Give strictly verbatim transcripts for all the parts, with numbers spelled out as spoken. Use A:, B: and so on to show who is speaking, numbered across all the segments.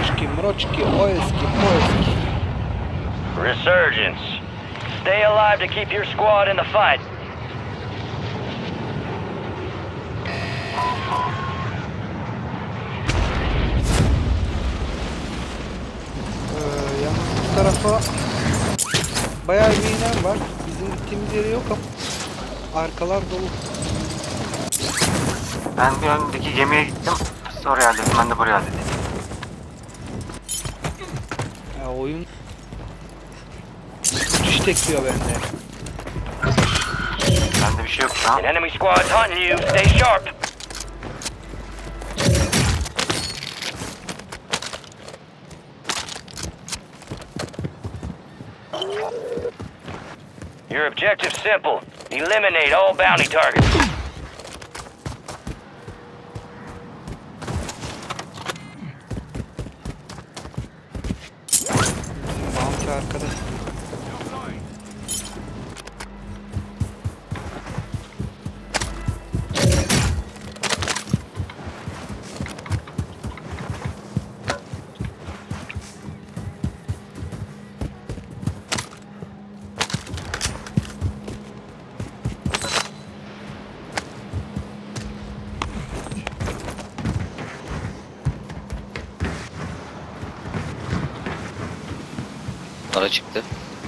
A: Mroçki, Mroçki, o eski, o eski.
B: Resurgence. Stay alive to keep your squad in the fight.
A: Ee, yalnız bu tarafa bayağı bir inen var. Bizim gittiğimiz yere yok ama arkalar dolu.
C: Ben bir öndeki gemiye gittim. Oraya hallettim, ben de buraya hallettim.
A: Ya oyun uçuş tekliyor bende.
C: Bende bir şey yok şu an.
B: An enemy squad's hunting you. Stay sharp. Your objective simple. Eliminate all bounty targets.
A: Bounty arkada.
D: Para çıktı.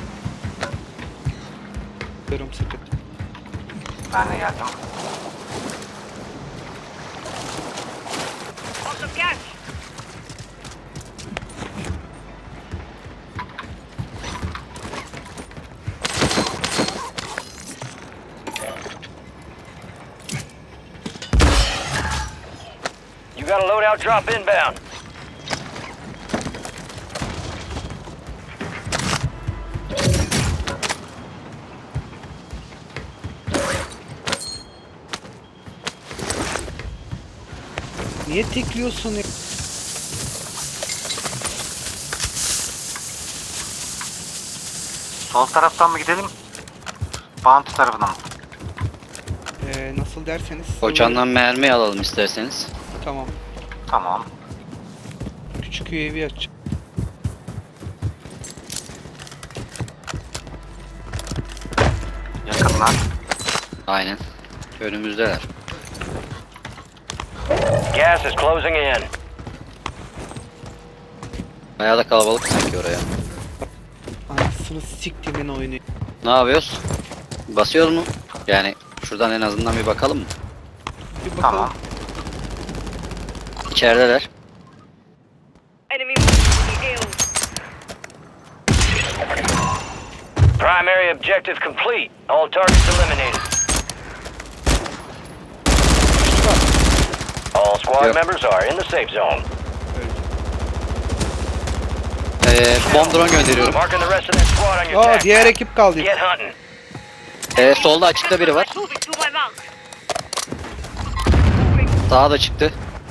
A: Görüm sıkıntı.
C: Ben de geldim.
B: You got a loadout drop inbound.
A: Niye tekliyorsun ya?
C: Sol taraftan mı gidelim? Bounty tarafına mı?
A: Ee, nasıl derseniz.
D: Koçandan mermi alalım isterseniz.
A: Tamam.
C: Tamam.
A: Küçük U A V açacağım.
C: Yakınlar.
D: Aynen. Önümüzdeler.
B: Gas is closing in.
D: Bayağı da kalabalık sanki oraya.
A: Anasını siktimin oyunu.
D: Ne yapıyoruz? Basıyoruz mu? Yani şuradan en azından bir bakalım mı?
A: Bir bakalım.
C: Tamam.
D: İçerideler.
E: Enemy ill.
B: Primary objective complete. All targets eliminated. All squad
D: Yok.
B: members are in the safe zone.
D: Ee, bomb drone gönderiyorum.
B: Marking the rest of that squad on your
A: Aa,
B: tag
A: diğer
B: map.
A: ekip kaldı.
B: Get hunting.
D: Ee, solda açıkta biri var.
E: Moving to my mark.
D: Sağa da çıktı.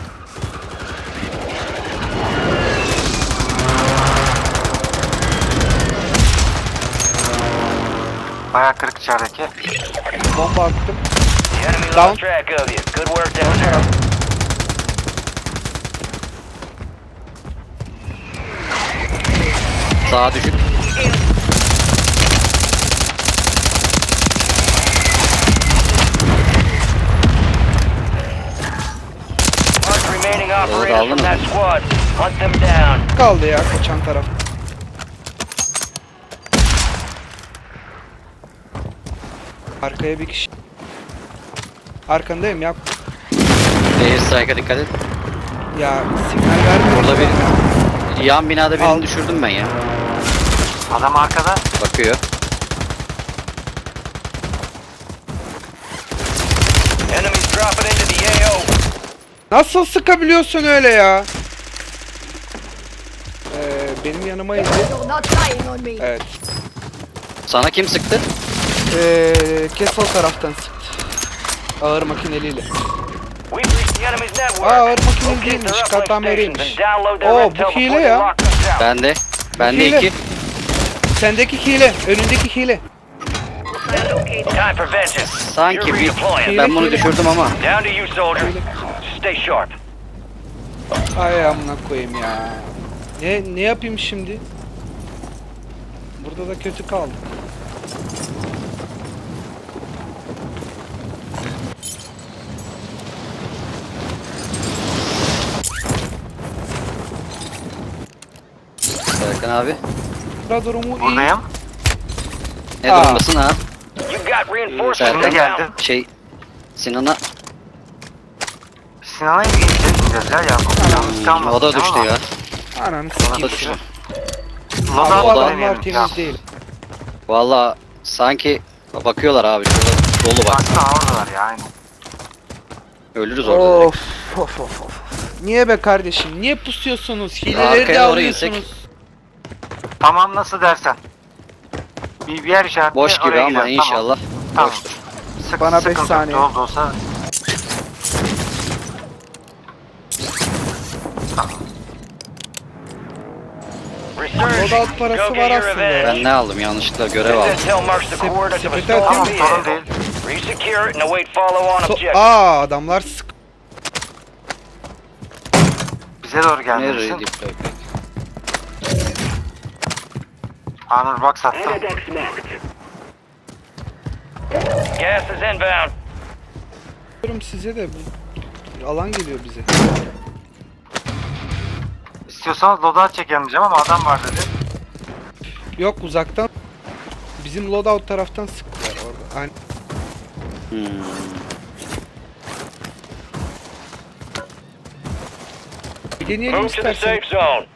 C: Bayağı kırık içerideki.
A: Bomba attım.
B: The enemy
A: Down.
B: lost track of you. Good work down there.
D: Sağa düşük.
B: Mark remaining
D: aldın
B: operators from
D: mı?
B: that squad. Hunt them down.
A: Kaldı ya kaçan taraf. Arkaya bir kişi. Arkandayım ya.
D: Air strike'a dikkat et.
A: Ya sinyal vermiyor.
D: Orada bir yan binada birini
A: Al.
D: düşürdüm ben ya.
C: Adam arkada.
D: Bakıyor.
B: Enemies dropping into the A O.
A: Nasıl sıkabiliyorsun öyle ya? Ee, benim yanıma indi.
E: You're not lying on me.
A: Evet.
D: Sana kim sıktı?
A: Ee, Castle taraftan sıktı. Ağır makineliyle.
B: We've reached the enemy's network.
A: Aa, ağır makineli
B: Locate
A: değilmiş,
B: their uplink
A: katameriymiş.
B: stations and download their
A: Oo, bu
B: intel
A: hile
B: before they
A: ya.
B: lock us out.
D: Bende. Bende
A: Hile.
D: iki.
A: Sendeki hile, önündeki hile.
E: Located.
B: Time for vengeance.
D: Sanki
B: You're
D: bir
B: redeploying.
D: ben bunu
A: Hile.
D: düşürdüm ama.
B: Down to you, soldier. Stay sharp.
A: Ay amına koyayım ya. Ne ne yapayım şimdi? Burada da kötü kaldık.
D: Serkan abi.
A: Burada durumu iyi.
C: Buradayım.
D: Ne
A: Aa.
D: durumdasın ha?
B: You've got reinforcements
D: Serkan
C: geldi.
B: inbound.
D: Şey Sinan'a
C: Sinan'a gideceğiz ya. Ya yalnız kalmasın.
D: o da düştü
C: ama
D: ya.
A: Ananı
D: O da
A: sikeyim.
D: düştü.
A: Abi,
C: Loda
A: bu
D: o da-
A: adamlar
C: deneyelim ya.
A: temiz değil.
D: Valla sanki bakıyorlar abi şurada dolu bak.
C: Baksana oradalar ya aynı.
D: Ölürüz orada direkt.
A: Of of of of. Niye be kardeşim? Niye pusuyorsunuz? Hileleri de
D: Arkaya doğru
A: alıyorsunuz.
D: insek.
C: Tamam nasıl dersen. Bir, bir yer işareti
D: Boş gibi
C: oraya
D: ama
C: gidelim,
D: inşallah
C: Tamam.
D: boştur.
C: Tamam. Sık,
A: Bana beş
C: sıkıntı yok,
A: saniye.
C: Oldu olsa.
B: Resurgence.
A: Loadout parası
B: Go
A: var
B: get your
A: aslında.
B: revenge.
D: Ben ne aldım yanlışlıkla görev aldım.
B: This intel marks the coordinates of a
A: sepete
B: stolen
A: atayım
C: mı? Sorun
B: vehicle.
C: değil.
B: Resecure it and await follow-on
A: So
B: objective.
A: Aa adamlar sık.
C: Bize doğru
D: Nereye
C: gelmesin.
D: deploy?
C: Anur bak sattım.
B: Gas is inbound.
A: Diyorum size de bu alan geliyor bize.
C: İstiyorsanız loadout çekelim diyeceğim ama adam var dedi.
A: Yok uzaktan. Bizim loadout taraftan sıktılar orada. Aynen.
D: Hmm.
A: Bir deneyelim
B: Move to the
A: istersen.
B: safe zone.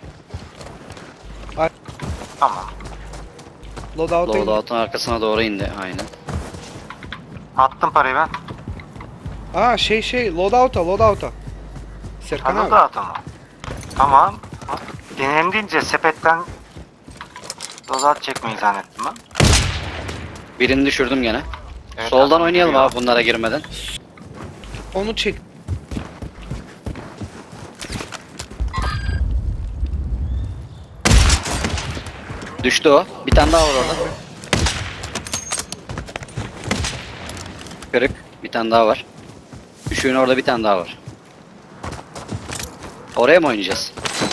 C: Tamam.
A: Loadout'a in.
D: Loadout'un arkasına doğru indi aynen.
C: Attım parayı ben.
A: Aa şey şey loadout'a loadout'a. Serkan
C: Ha,
A: abi.
C: loadout ama. Tamam. Deneyelim deyince sepetten loadout çekmeyi zannettim ben.
D: Birini düşürdüm gene.
C: Evet,
D: Soldan
C: adam
D: oynayalım
C: geliyor.
D: abi bunlara girmeden.
A: Onu çek.
D: Düştü o. Bir tane daha var orada. Kırık. Bir tane daha var. Düşüğün orada bir tane daha var. Oraya mı oynayacağız?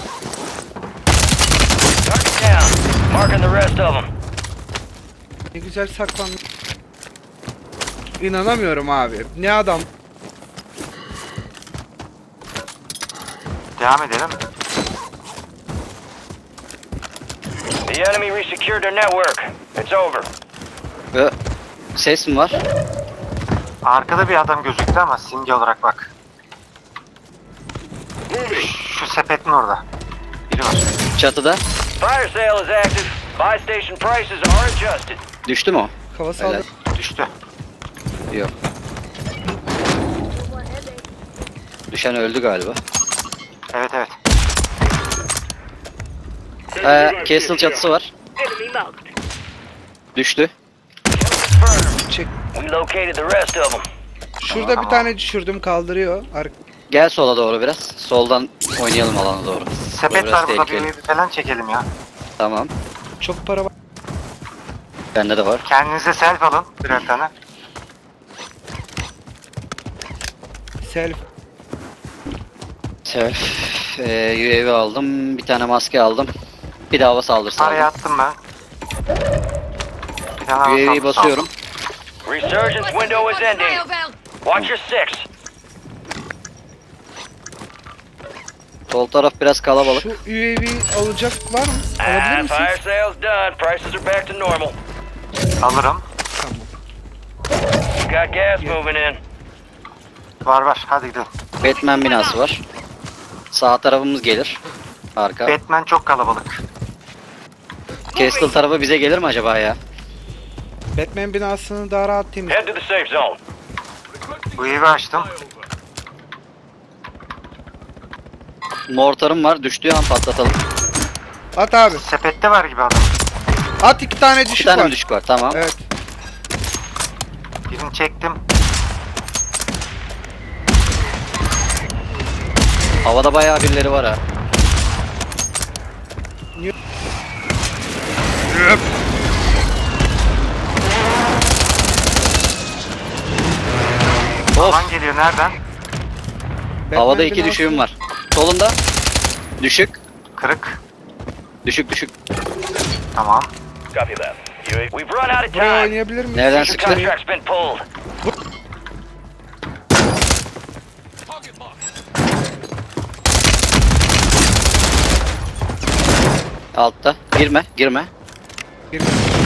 B: Target down. Marking the rest of them.
A: Ne güzel saklanmış. İnanamıyorum abi. Ne adam.
C: Devam edelim.
B: The enemy resecured their network. It's over.
D: Ve ses mi var?
C: Arkada bir adam gözüktü ama simge olarak bak. Şu sepetin orada. Biri var.
D: Çatıda.
B: Fire sale is active. Buy station prices are adjusted.
D: Düştü mü o?
A: Hava
D: Helal.
A: saldı.
C: Düştü.
D: Yok. Düşen öldü galiba.
C: Evet evet.
D: Ee, Castle çatısı var.
E: Enemy marked.
D: Düştü.
B: Confirmed.
A: Çek.
B: We located the rest of them.
A: Şurada bir
C: Tamam.
A: tane düşürdüm kaldırıyor. Ar
D: Gel sola doğru biraz. Soldan oynayalım alana doğru.
C: Sepet
D: Biraz
C: var burada,
D: tehlikeli.
C: bir falan çekelim ya.
D: Tamam.
A: Çok para var.
D: Bende de var.
C: Kendinize self alın birer tane.
A: Self.
D: Self. Ee, U A V aldım. Bir tane maske aldım. Bir de hava saldırısı
C: Parayı
D: aldım.
C: attım ben. Bir tane
D: U A V'yi
C: alsam-
D: basıyorum.
B: Resurgence window is ending. Watch your six.
D: Sol taraf biraz kalabalık.
A: Şu U A V alacak var mı?
B: Ah,
A: Alabilir misiniz?
B: fire sale's done. Prices are back to normal.
C: Alırım.
A: Tamam.
B: You got gas moving in.
C: Var var hadi gidelim.
D: Batman binası var. Sağ tarafımız gelir. Arka.
C: Batman çok kalabalık.
D: Castle tarafı bize gelir mi acaba ya?
A: Batman binasını daha rahat temiz.
B: Head to the safe zone.
C: Bu evi açtım.
D: Mortarım var. Düştüğü an patlatalım.
A: At abi.
C: Sepette var gibi adam.
A: At iki tane
D: İki
A: düşük
D: tane
A: var.
D: mi düşük var? Tamam.
A: Evet.
C: Birini çektim.
D: Havada bayağı birileri var ha. Of.
C: Alan geliyor nereden?
A: Batman
D: Havada iki
A: binası-
D: düşüğüm var. Solunda. Düşük.
C: Kırık.
D: Düşük düşük.
C: Tamam.
B: Copy that. U A V. We've run out of
A: Buraya
B: time.
A: oynayabilir miyiz?
D: Nereden
B: Your
D: sıktı?
B: contract's been pulled.
D: Altta. Girme girme.
A: Gir.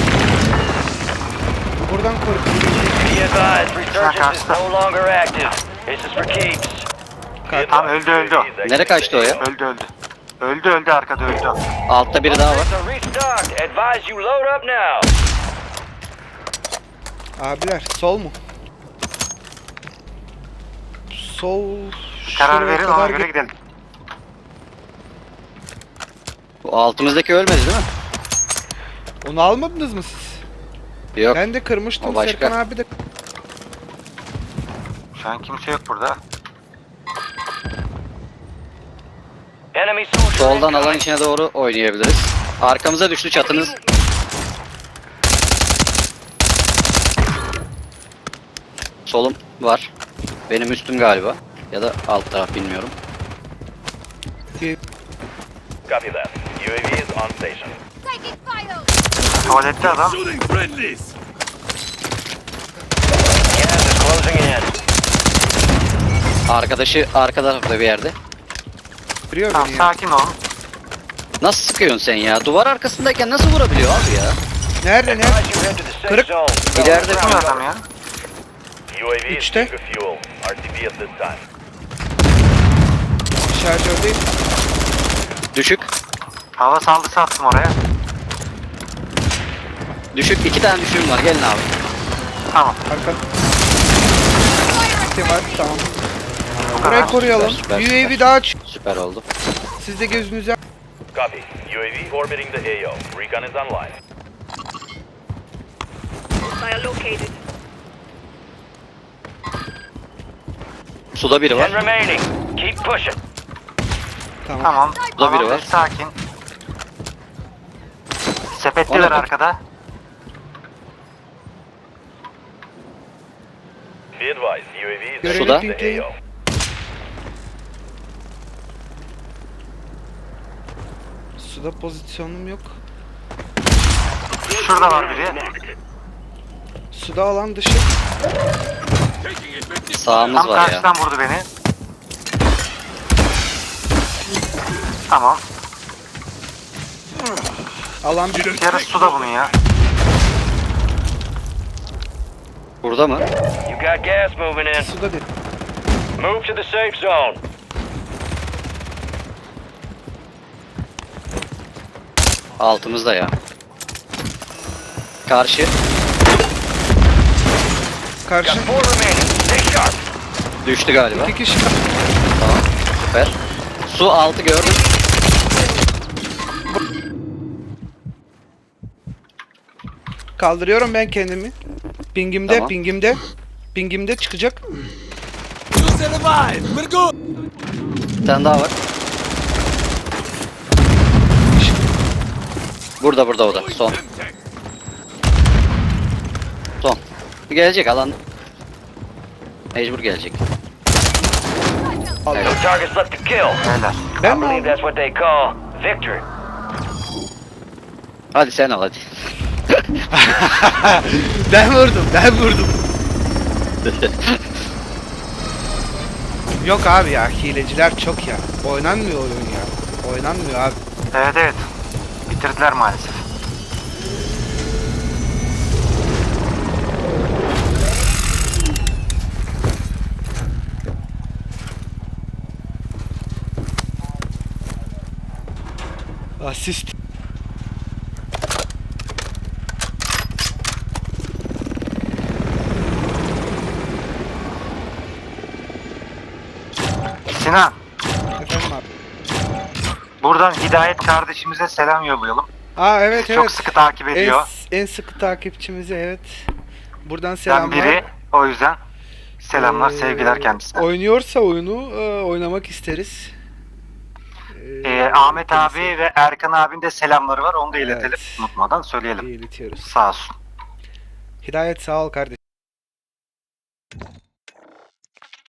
A: Buradan koru.
B: Be advised, resurgence is no longer active. This is for keeps.
C: Tamam, öldü, öldü o.
D: Nereye kaçtı o ya?
C: Öldü öldü. Öldü öldü arkada öldü.
D: Altta biri daha var.
B: Upgrades are restocked. Advise you load up now.
A: Abiler sol mu? Sol.
C: Karar
A: şuraya
C: verin ona
A: kadar
C: göre
A: git-
C: gidelim.
D: Bu altımızdaki ölmedi değil mi?
A: Onu almadınız mı siz?
D: Yok.
A: Ben de kırmıştım
D: O başka.
A: Serkan abi de.
C: Şu an kimse yok burada.
B: Enemy soldier
D: Soldan alan
B: incoming.
D: içine doğru oynayabiliriz. Arkamıza düştü çatınız. Solum var. Benim üstüm galiba. Ya da alt taraf bilmiyorum.
B: Copy that. U A V is on station.
E: Taking fire.
C: Tuvalette adam.
B: Gas is closing in.
D: Arkadaşı arka tarafta bir yerde.
A: Biliyor
C: Tamam
A: beni ya.
C: sakin olun.
D: Nasıl sıkıyorsun sen ya? Duvar arkasındayken nasıl vurabiliyor abi ya?
A: Nerede nerede?
B: Advise you head to the safe
A: Kırık.
B: zone.
D: İleride
C: Kim adam ya?
B: U A V is
A: Üçte.
B: due for fuel. R T B at this time.
A: Şarjördeyim.
D: Düşük.
C: Hava saldırısı attım oraya.
D: Düşük. iki tane düşüğüm var. Gelin abi.
C: Tamam.
A: Arka. Kim var? Tamam.
C: Bu
A: Burayı
C: kadar.
A: koruyalım.
D: süper,
A: U A
D: süper.
A: V daha aç.
D: Süper oldu.
A: Siz de gözünüzü
B: Copy. U A V orbiting the A O. Recon is online.
E: Fire located.
D: Suda biri
B: Ten
D: var.
B: remaining. Keep pushing.
A: Tamam.
C: Tamam.
D: Burada biri
C: Tamam,
D: var.
C: sakin. Sepetliler
D: Ona bak.
C: arkada.
B: Be advised, U A V is
A: Görevi
D: Suda.
B: the
A: pinkleyin.
B: A O.
A: Suda pozisyonum yok.
C: Şurada var biri.
A: Suda alan dışı.
D: Sağımız
C: Tam
D: var ya.
C: karşıdan vurdu beni. Tamam.
A: Alan bir.
C: Yarısı suda bunun ya.
D: Burada mı?
B: You got gas moving in.
A: Suda bir.
B: Move to the safe zone.
D: Altımızda ya. Karşı.
A: Karşı.
B: Got four remaining. Stay sharp.
D: Düştü galiba.
A: İki kişi.
D: Tamam. Süper. Su altı gördüm.
A: Kaldırıyorum ben kendimi. Pingimde,
D: Tamam.
A: pingimde. Pingimde çıkacak.
D: Bir tane daha var. Burada burada o da. Son. Son. Gelecek alan. Mecbur gelecek.
B: No targets left to kill.
C: Beyler.
A: Ben
B: I
A: mi
B: believe
A: aldım?
B: that's what they call victory.
D: Hadi sen al hadi.
A: Ben vurdum, ben vurdum. Yok abi ya, hileciler çok ya. Oynanmıyor oyun ya. Oynanmıyor abi.
C: Evet evet. Bitirdiler maalesef.
A: Asist.
C: Sinan.
A: Efendim abi.
C: Buradan Hidayet kardeşimize selam yollayalım.
A: Aa evet
C: Çok
A: evet.
C: sıkı takip
A: En,
C: ediyor.
A: en sıkı takipçimize evet. Buradan
C: Ben
A: selamlar.
C: biri. O yüzden selamlar,
A: Ee,
C: sevgiler kendisine.
A: Oynuyorsa oyunu e, oynamak isteriz.
C: Ee, Ahmet abi ve Erkan abinin de selamları var. Onu da iletelim.
A: Evet.
C: Unutmadan söyleyelim.
A: iletiyoruz.
C: Sağ olsun.
A: Hidayet sağ ol kardeşim.